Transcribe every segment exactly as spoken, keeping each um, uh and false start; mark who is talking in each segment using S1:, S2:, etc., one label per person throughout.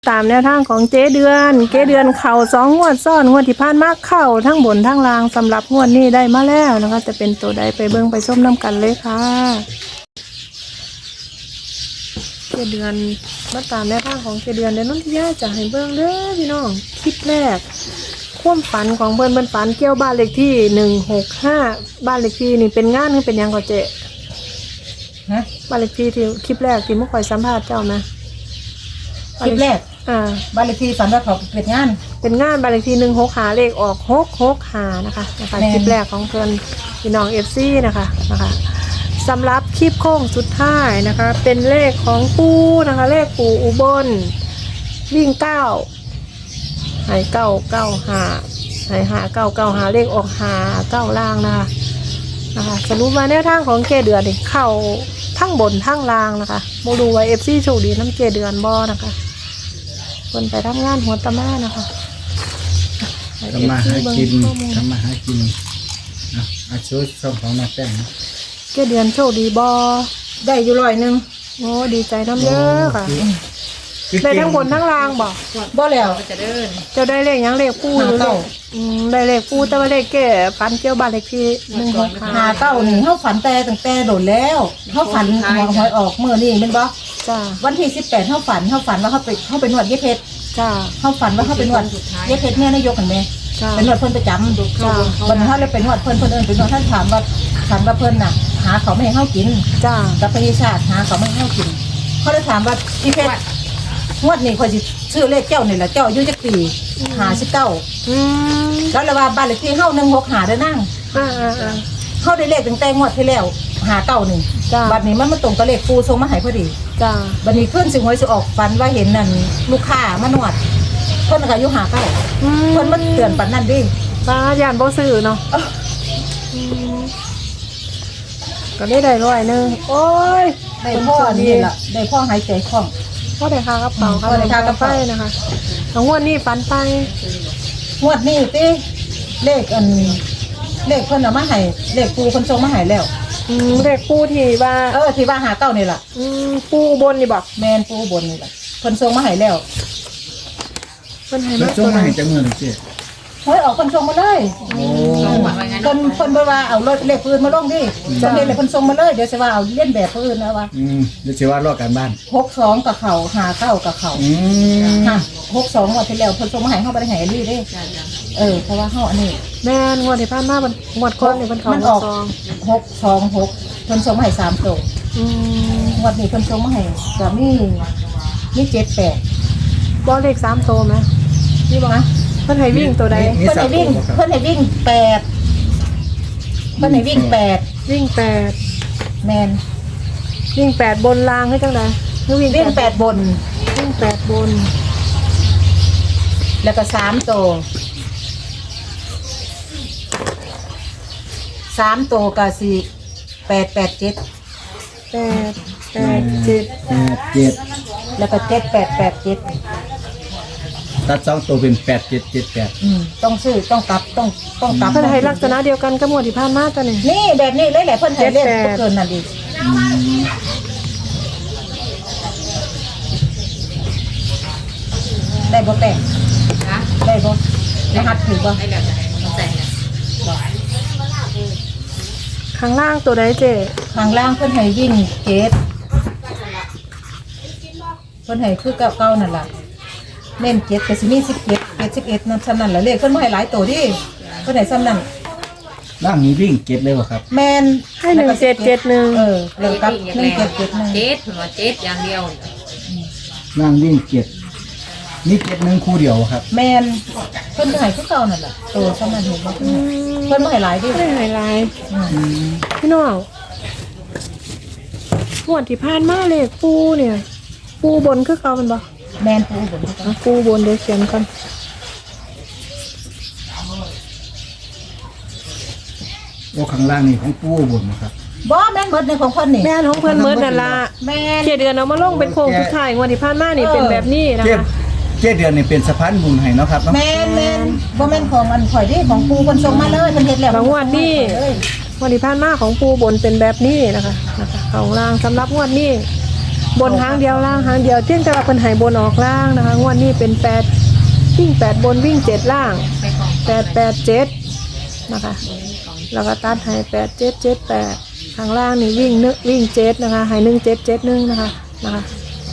S1: ตามแนวทางของเจ๊เดือนเจ๊เดือนเข่าสองงวดซ้อนงวดที่ผ่านมาเข่าทั้งบนทั้งล่างสำหรับงวดนี้ได้มาแล้วนะคะจะเป็นตัวใดไปเบิ้งไปส้มน้ำกันเลยค่ะเจ๊เดือนมาตามแนวทางของเจ๊เดือนเดี๋ยวน้องที่ย่าจะให้เบิ้งเด้อพี่น้องคลิปแรกความฝันของเบิ้นเบิ้นฝันเกี่ยวบ้านเลขที่หนึ่งหกห้าบ้านเลขที่นี่เป็นงานหรือเป็นยังก็เจ๊ฮะบ้านเลขที่ที่คลิปแรกที่มุกคอยสัมภาษณ์เจ้านะ
S2: คลิปแรก
S1: อ่า
S2: บ้านเลขที่ฝันว่าเขาเป็นงาน
S1: เป็นงานบ้านเลขที่หนึ่งหกหาเลขออกหกหกหานะคะนะคะคลิปแรกของเพื่อนพี่น้องเอฟซีนะคะนะคะสำหรับคลิปโค้งสุดท้ายนะคะเป็นเลขของปูนะคะเลขปูอุบลวิ่งเก้าหายเก้าเก้าหาหายหาเก้าเก้าหาเลขออกหาเก้าล่างนะคะนะคะสรุปมาแนวทางของเกเดือนเข้าทั้งบนทั้งล่างนะคะโมดูไวเอฟซีโชคดีน้ำเกเดือนบอนะคะคนไปทำงานหัวตะมานะคะ
S3: ทำมาหากินทำมาหากินนะอาชีพช่องของนักแต่ง
S1: เกเดือนโชคดีบอ
S2: ได้อยู่ร้อยหนึ่ง
S1: โอ้ดีใจน้ำเยอะค่ะได้ทั้งบนทั้งล่างบอก
S2: บ่แล้ว
S1: จะเดินเจ้าได้เลขยังเลขปูหรือเลขได้เลขปูแต่ว่าเลขแก่ฟันเกี่ยวบ้านเลขที่หนึ่งหก
S2: หาเก้าหนึ่งเขาฝันแต่ตั้งแต่โดดแล้วเขาฝันหัวหอยออกเมื่อนี่เป็นบ่
S1: จ้า
S2: วันที่สิบแปดเขาฝันเขาฝันว่าเขาไปเขาไปนวดเย็บเพชร
S1: จ้า
S2: เขาฝันว่าเขาไปนวดเย็บเพชรเนี่ยนายกกันไหมเป็นนวดเพิ่นประจำจ้าวันนี้เขาเลยเป็นนวดเพิ่นเพิ่นเอิญเป็นนวดท่านถามว่าฝันว่าเพิ่นน่ะหาเขาไม่ให้เขากิน
S1: จ้า
S2: กับพยาชาติหาเขาไม่ให้เขากินเขาเลยถามว่าอีเพชรงวดนี้คอยสิซื้อเลขเจ้านี่แหละเจ้าอายุจักปีหาสิบเก้าแล้วเลยว่าบ้านเลขที่เฮาหนึ่งหกหาได้นั่งเฮาได้เลขตั้งแต่งวดที่แล้วหาเก้าหนึ่งบัดนี้มันมาตรงกับเลขปูทรงมาให้พอดี
S1: จ้า
S2: บัดนี้ขึ้นสิหวยสิออกฟันว่าเห็นนั่นลูกค้ามานวดเพิ่นก็อายุหาเก้าเพิ่นมาเตือนปันนั่นดิ
S1: ป้าย่านบ่ซื้อเนาะก็ได้ได้ร้อยนึงโอ้ย
S2: ได้พ่อนี่แหละได้พ่อหายใจคล่อง
S1: ก็ได้ค่ากระเป๋าค่ะได้ค่ากระเป๋านะคะงวดนี้ฟันไป
S2: งวดนี้ติเลขอันเลขเพิ่นเอามาให้เลขปูเพิ่นส่งมาให้แล้ว
S1: อืมเลขปูที่ว่า
S2: เออที่ว่าหาเก้านี่ล่ะ
S1: อืมปูบนนี่บอก
S2: แม่นปูบนนี่ล่ะเพิ่นส่งมาให้แล้ว
S1: เพิ่นให้
S3: มาส่งมาให้จังเงินสิ
S2: เฮ้ยออกเพิ่นส่งมาเลยโอ้เพิ่นเพิ่นบ่ว่าเอาเลขปืนมาลงดิเพิ่นเฮ็ดให้เพิ่นส่งมาเลยเดี๋ยวสิว่าเอาเลียนแบบปืนนะว่า
S3: อืมเดี๋ยวสิว่ารอการบ้าน
S2: หกสองกับเขาหาเก้ากับเขา
S3: อืม
S2: ฮะหกสองงวดที่แล้วเพิ่นส่งมาให้เฮาบ่ได้ให้อันนี้เด้เออเพราะว่าเฮาอันนี้
S1: แม่นงวดที่ผ่านมามันงวดก่อนนี่เพิ่นเข้า
S2: มันออกหกสองหกเพิ่นส่งมาให้สามตัว
S1: อืม
S2: งวดนี้เพิ่นส่งมาให้ก็มีมีเจ็ด แปด
S1: บ่เลขสามตัวมั้ยนี่บ่นะเพิ่นให้วิ่งตัวใด
S2: เพิ่นให้วิ่งเพิ่นให้วิ่งแปดเพิ่นให้วิ่งแปด
S1: วิ่งแปด
S2: แมน
S1: วิ่งแปดบนรางให้จังได๋คือ
S2: วิ่งวิ่งแปดบน
S1: วิ่งแปดบน
S2: แล้วก็สามตัวสามตัวก็สี่แปดแปดเจ็ด
S1: แปดแปดเจ็ด
S3: แปดเจ็ด
S2: แล้วก็เจ็ดแปดแปดเจ็ด
S3: ตัดสองตัวเป็นแปดเจ็ดเจ็ดแปด
S2: อืมต้องซื้อต้องกลับต้องต้องกลับ
S1: เพิ่นให้ลักษณะเดียวกันกับงวดที่ผ่านมาตัวนี้
S2: นี่แบบนี้เลยแหละเพิ่นให้เล่นเกินนั่นดิได้บ่แป้งนะได้บ่รหัสถือบ่ได้แล้วแต่
S1: ข้างล่างตัวใดเจ๊
S2: ข้างล่างเพิ่นให้วิ่งเจ็ดเพิ่นให้คือเก่าๆนั่นล่ะเน้นเจ็ดก็สิมีสิบเจ็ดเจ็ดสิบเอ็ดนั่นซ้ำนั่นแหละเลขเพิ่นบ่ให้หลายตัวดิเพิ่นให้ซ้ำนั่น
S3: ล่างนี้วิ่งเจ็ดเลยบ่ครับ
S2: แม่น
S1: ให้หนึ่งเจ็ดเจ็ดหนึ่ง
S2: เออแล้วกับหนึ่งเจ็ดเจ็ดหนึ่ง
S4: เจ็ดหัวเจ็ดอย่างเดียว
S3: ล่างวิ่งเจ็ดนี่เจ็ดหนึ่งคู่เดียวครับ
S2: แม่นเพิ่นให้คือเก่านั่นแหละตัวซ้ำนั่นเห็นบ่เพิ่นบ่ให้หลายดิ
S1: ไม่ให้หลายพี่น้องงวดที่ผ่านมาเลขปูเนี่ยปูบนคือเก่ามันบ่
S2: แมนปูบน
S1: ปูบนเดี๋ยวเขียนกัน
S3: โอ้ข้างล่างนี่ของปูบนนะครับ
S2: บ่แม่นหมดในของเพิ่นนี่
S1: แม่นของเพิ่นหมดนั่นล่ะแม่นเจ็ดเดือนเอามาลงเป็นโครงสุดท้ายงวดที่ผ่านมานี่เป็นแบบนี้นะคะ
S3: เจ็ดเดือนนี่เป็นสะพานบุญให้เนาะครับ
S2: แม่นแม่นบ่แม่นของอันข่อยดิของปูเพิ่นส่งมาเลยเพิ่นเฮ็ดแล้ว
S1: งวดนี้งวดที่ผ่านมาของปูบนเป็นแบบนี้นะคะนะคะของล่างสำหรับงวดนี้บนหางเดียวล่างหางเดียวเที่ยงแต่ว่าเพิ่นให้บนออกล่างนะคะงวดนี้เป็นแปดวิ่งแปดบนวิ่งเจ็ดล่างแปดแปดเจ็ดนะคะแล้วก็ตัดให้แปดเจ็ดเจ็ดแปดทางล่างนี่วิ่งนึกวิ่งเจ็ดนะคะให้หนึ่งเจ็ดเจ็ดหนึ่งนะคะนะคะ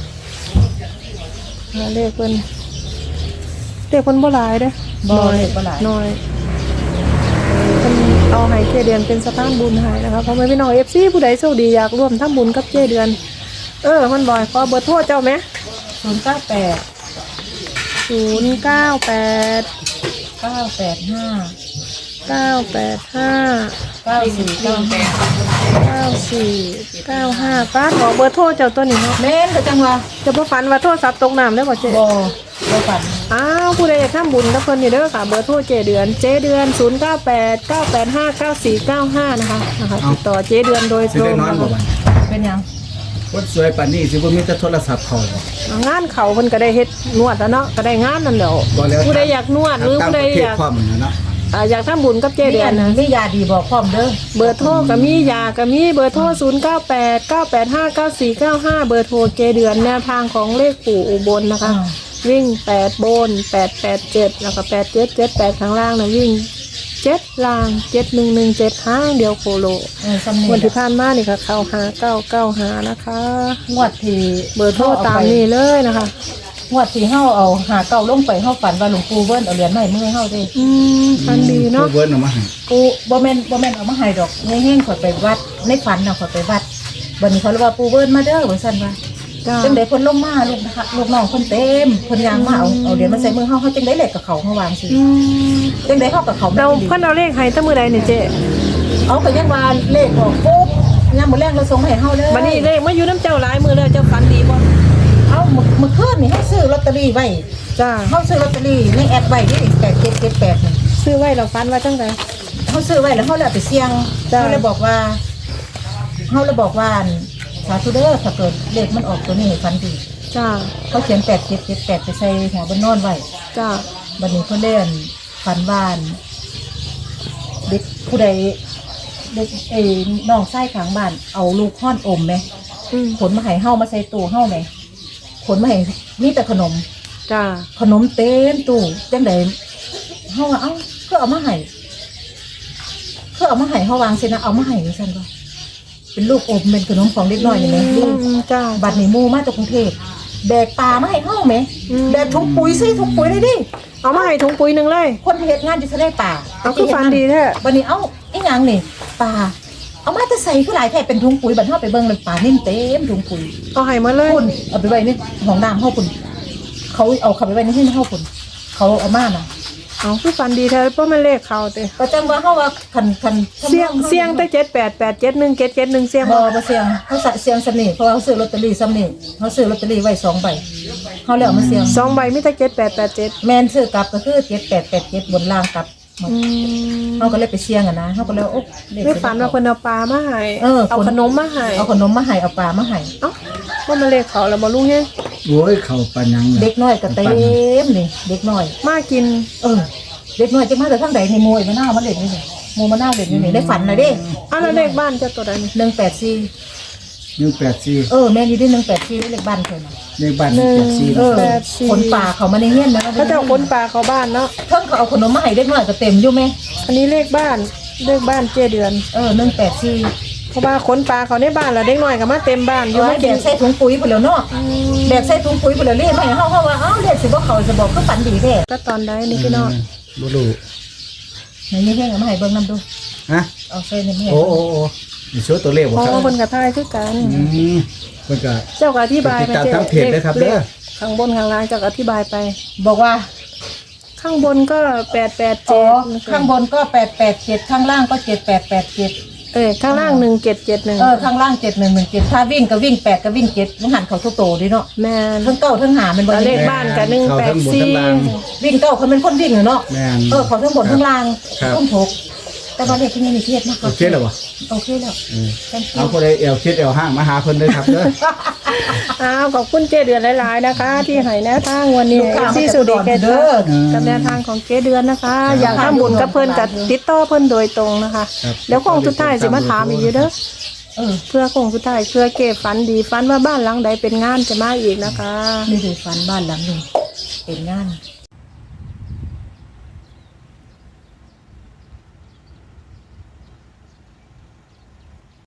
S1: เลขเพิ่นเลขเพิ่นบ่หลายเด้อ
S2: บ่เลขบ่หลาย
S1: น้อยเพิ่นเอาให้เจเดือนเป็นสะพานบุญให้นะคะเพราะไม่พี่น้อง เอฟ ซี ผู้ใดโชคดีอยากร่วมทำบุญกับเจเดือน เออมันบ่อยขอเบอร์โทรเจ้าไหม
S2: ศูนย์เก้าแปด
S1: ศูนย์เก้าแปด
S2: เก้าแปดห้า
S1: เก้าแปดห้า
S2: เก้าสี่เก้าแปด
S1: เก้าสี่เก้าห้าป้าขอเบอร์โทรเจ้าตัวนี้เนาะ
S2: แม่นก็จังว่า
S1: จะบ่ฝันว่าโทรศัพท์ตกน้ำได้บ่เจ๊
S2: บ่บ่ฝัน
S1: อ้าวผู้ใดอยากทำบุญกับเพิ่นนี่เด้อค่ะเบอร์โทรเจเดือนเจเดือนศูนย์เก้าแปด เก้าแปดห้า เก้าสี่เก้าห้านะคะนะคะติดต่อเจเดือนโดย
S3: สิ
S1: ตร
S3: ได้
S1: ง
S3: นอน
S1: นะ
S3: บ่
S1: คะ
S3: บัด
S2: เป็นหยัง
S3: คนสวยปานนี้สิบ่มีแต่โทรศัพท์เขาบ่
S1: งานเขาเพิ่นก็ได้เฮ็ดนวดแล้วเนาะก็ได้งานนั่นแหล้ว
S3: บ่แล้ว
S1: ผู้ใดอยากนวดหรือ
S3: ตาม
S1: ผู้ใด
S3: ประเท
S1: อ
S3: ศ
S1: ยาก
S3: ความนั่นเนาะ
S1: อ่าอยากทำบุญกับเจเดือนนะ
S2: มียาดีบอกพร้อมเด้อ
S1: เบอร์โทรก็มียาก็มีเบอร์โทรศูนย์เก้าแปด เก้าแปดห้า เก้าสี่เก้าห้าเบอร์โทรเจเดือนแนวทางของเลขปู่อุบลนะคะ วิ่งแปดบนแปดแปดเจ็ดแล้วก็แปดเจ็ดเจ็ดแปดข้างล่างนะวิ่งเจ็ดล่างเจ็ดหนึ่งหนึ่งเจ็ดห้างเดียวโคโล
S2: เออสำเนีย
S1: วัน
S2: ง
S1: ที่ผ่านมานี่ค่ะเข้าหาเก้าเก้าหานะคะ
S2: งวดที่
S1: เบอร์โทรตามนี้เลยนะคะ
S2: งวดที่เฮาเอาหาเก่าลงไปเฮาฝันว่าหลวงปู่เบิ้นเอาเหรียญมาให้มือเฮาเด้
S1: อืมฟันดีเนาะ
S3: ผู้เวิร์นเอามาให้
S2: กูบ่แม่นบ่แม่นเอามาให้ดอกเฮงๆข่อยไปวัดในฝันน่ะข่อยไปวัดบัดนี้เขาเลยว่าปู่เบิ้นมาเด้อว่าซั่นว่า
S1: จ้า
S2: จังได๋เพิ่นลงมาลูกนะคะลูกน้องเพิ่นเต็มเพิ่นยางมาเอาเอาเหรียญมาใส่มือเฮาเฮาจังได๋เลขกับเขาเฮาวางสิ
S1: อืม
S2: จังได๋เฮากับเขา
S1: เรา
S2: แม่นดี
S1: เพิ่นเอาเลขให้ตั้งมือใดเนี่ยเจ๊
S2: เอาก็ยังว่าเลขออกปุ๊บยามมื้อแรกเราส่งมาให้เฮาเลย
S1: วันนี้เลขมาอยู่น้ำเจ้าหลายมือเลยเจ้าฟันดีบ่
S2: เอามื้อมื้อคืนนี่เฮาซื้อลอตเตอรี่ไว้
S1: จ้า
S2: เฮาซื้อลอตเตอรี่ในแอปไว้นี่แปดเจ็ดเจ็ดแปดนี่
S1: ซื้อไว้เราฟันว่าจังได
S2: เขาซื้อไว้แล้วเขาเลยเอาไปเสี่ยง
S1: จ้ะ
S2: เขาเลยบอกว่าเขาเลยบอกว่าสาธุเด้อถ้าเกิดเลขมันออกตัวนี้ให้ฟันดี
S1: จ้า
S2: เขาเขียนแปดเจ็ดเจ็ดแปดไปใส่หัวบนนอนไว้
S1: จ้า
S2: บัดนี้เขาเล่นฟันบ้าน เด็กผู้ใดเด็กเอ้น้องไส้ขางบ้าน เอาลูกห้อนอมไหม
S1: อืม
S2: ขนมาให้เฮามาใส่ตู้เฮาไหมขนมาให้มีแต่ขนม
S1: จ้า
S2: ขนมเต็มตู้จังไดเฮาว่าเอ้าเพื่อเอามาให้เพื่อเอามาให้เฮาวางเสร็จนะเอามาให้ดิฉันก็เป็นลูกอมเป็นขนมของเด็กน้อยนี่แหละลูก
S1: อืมจ้า
S2: บัดนี้หมู่มาจากกรุงเทพแบกปลามาให้เฮาไหม
S1: อืม
S2: แบกถุงปุ๋ยใส่ถุงปุ๋ยเลยดิ
S1: เอามาให้ถุงปุ๋ยหนึ่งเลย
S2: คนเฮ็ดงานจะได้ป่า
S1: เอาคือฟันดีแท้
S2: บัดนี้เอ้าอีหยังนี่ปลาเอามาจะใส่คือหลายแท้เป็นถุงปุ๋ยบัดเฮาไปเบิ่งเลยปลานิ่มเต็มถุงปุ๋ย
S1: เอาให้มาเลย
S2: คุณเอาไปไว้ในห้องน้ำเฮาคุณเขาเอาเข้าไปไว้ในที่เฮาคุณเขาเอามาน่ะ
S1: เอาคือฟันดีแท้เพราะมันเลขเขาเตะ
S2: ก็จังว่าเฮาว่าคันคัน
S1: เสี่ยงเสี่ยงแต่เจ็ดแปดแปดเจ็ดหนึ่งเจ็ดเจ็ดหนึ่งเสี่ยง
S2: บ่
S1: บ่
S2: บ่เสี่ยงเฮาใส่เสี่ยงสำนี่เพราะว่าเขาซื้อลอตเตอรี่สำนี่เขาซื้อลอตเตอรี่ไว้สองใบเฮาเลยเอามาเสี่ยง
S1: สองใบมีแต่เจ็ดแปดแปดเจ็ด
S2: แม่นซื้อกลับก็คือเจ็ดแปดแปดเจ็ดบนล่างกลับหมด
S1: อืม
S2: เฮาก็เลยไปเสี่ยงอ่ะนะเฮาก็เลยโอ๊ะเลข
S1: ไม่ฝันว่าคนเอาปลามาให้
S2: เออ
S1: เอาขนมมาให้
S2: เอาขนมมาให้เอาปลามาให้
S1: เอ้าว่ามันเลขเขาแล้วบ่รู้เฮ้ย
S3: โอ้ยเข้าปานหยังล่ะ
S2: เด็กน้อยก็เต็มนี่เด็กน้อย
S1: มากิน
S2: เออเด็กน้อยจังมาแต่ทางใดนี่มวยมะนาวมาเล่นนี่นี่หมู่มะนาวเล่นอยู่นี่ได้ฝันน่ะเด้
S1: อ้าวแล้วเลขบ้านเจ้าตัวใดนี่
S2: หนึ่งแปดสี่
S3: หนึ่งแปดสี่
S2: เออแม่นอยู่ที่หนึ่งแปดสี่เลขบ้านเพิ่นน่ะ
S3: เลขบ้านหนึ่งแปดสี่
S2: เออ
S1: แปดสี่
S2: คนป่าเขามาในเฮียนนะ
S1: เขาจะเอาคนปลาเขาบ้านเนาะ
S2: เพิ่งเขาเอาขนมมาให้เด็กน้อยก็เต็มอยู่ไหม
S1: อันนี้เลขบ้านเลขบ้านเจเดือน
S2: เออหนึ่งแปดสี่
S1: เพราะว่าขนปลาเขาในบ้านแล้วเด็กน้อยก็มาเต็มบ้านอยู่
S2: เอา
S1: มา
S2: แบ
S1: กิน
S2: กใส่ถุงปุ๋ยไปแล้วเนาะแบกใส่ถุงปุ๋ยไปแล้วเรียกไม่เฮาเฮาว่าเอ้าเรียกสิบ่เขาจะบอกก็ฝันดีแท้
S1: ก็ตอนใดนี่พี่น้อง
S3: บ่รู้
S2: ไหนนี่เฮียเอามาให้เบิ่งนำดู
S3: ฮะ
S2: เอาใส่ในเฮีย
S3: โอ้โอ้โอ้นี่โชว์ตัวเลขบ่
S1: เพราะ
S3: ครับ
S1: ว่าคนกระทายคือกัน
S3: อืมเพิ่นก็
S1: เจ้าก็อธิบาย
S3: ติดตามทางเพจด้วยครับเด้อ
S1: ข้างบนข้างล่างเจ้าก็อธิบายไป
S2: บอกว่า
S1: ข้างบนก็แปดแปด
S2: อ๋
S1: เจ็
S2: อ
S1: ด
S2: ข้างบนก็แปดแปดเจ็ดข้างล่างก็เจ็ดแปดแปดเจ็ด
S1: เออข้างล่างหนึ่งเจ็ดเจ็ดหนึ่ง
S2: เออข้างล่างเจ็ดหนึ่งหนึ่งเจ็ดถ้าวิ่งก็วิ่งแปดก็วิ่งเจ็ดมันหันเขาทุกโตดิเนาะ
S1: แม่น
S2: ทั้งเก้าทั้งหามันบ่
S1: แล้วเล
S2: ได้
S1: ขบ้านกับหนึ่ง
S3: เข้า
S1: แปด
S3: ทั้งบน
S1: สี่
S3: ทั้งล่าง
S2: วิ่งเก้าเขาเป็นคนวิ่งเหรอเนาะ
S3: แม่น
S2: เออเขาทั้งบนทั้งล่าง
S3: ครับ
S2: ต้องถกแต่ว่าเลขที่นี่มีเครียดมาก
S3: โอเคแล้วบ่
S2: โอเคแล้ว
S3: เออเอาผู้ใดเอวคิดเอวห้างมาหาเพิ่นเด้อครับเด้อ
S1: อ้าวขอบคุณเจเดือนหลายๆนะคะ ที่ให้แนวทางวันนี้ที่สุดีเกต
S2: เด้อ
S1: กับแนวทางของเจเดือนนะคะ อยากทำบุญกับเพิ่นกับติดต่อเพิ่นโดยตรงนะคะ
S3: ครับ
S1: แล้วคงสุดท้ายสิมาถามอีกอยู่เด้อ
S2: เออ
S1: เพื่อคงสุดท้ายเพื่อเก็บฝันดีฝันว่าบ้านหลังใดเป็นงานจะมาอีกนะคะ
S2: นี่คือฝันบ้านหลังหนึ่งเป็นงาน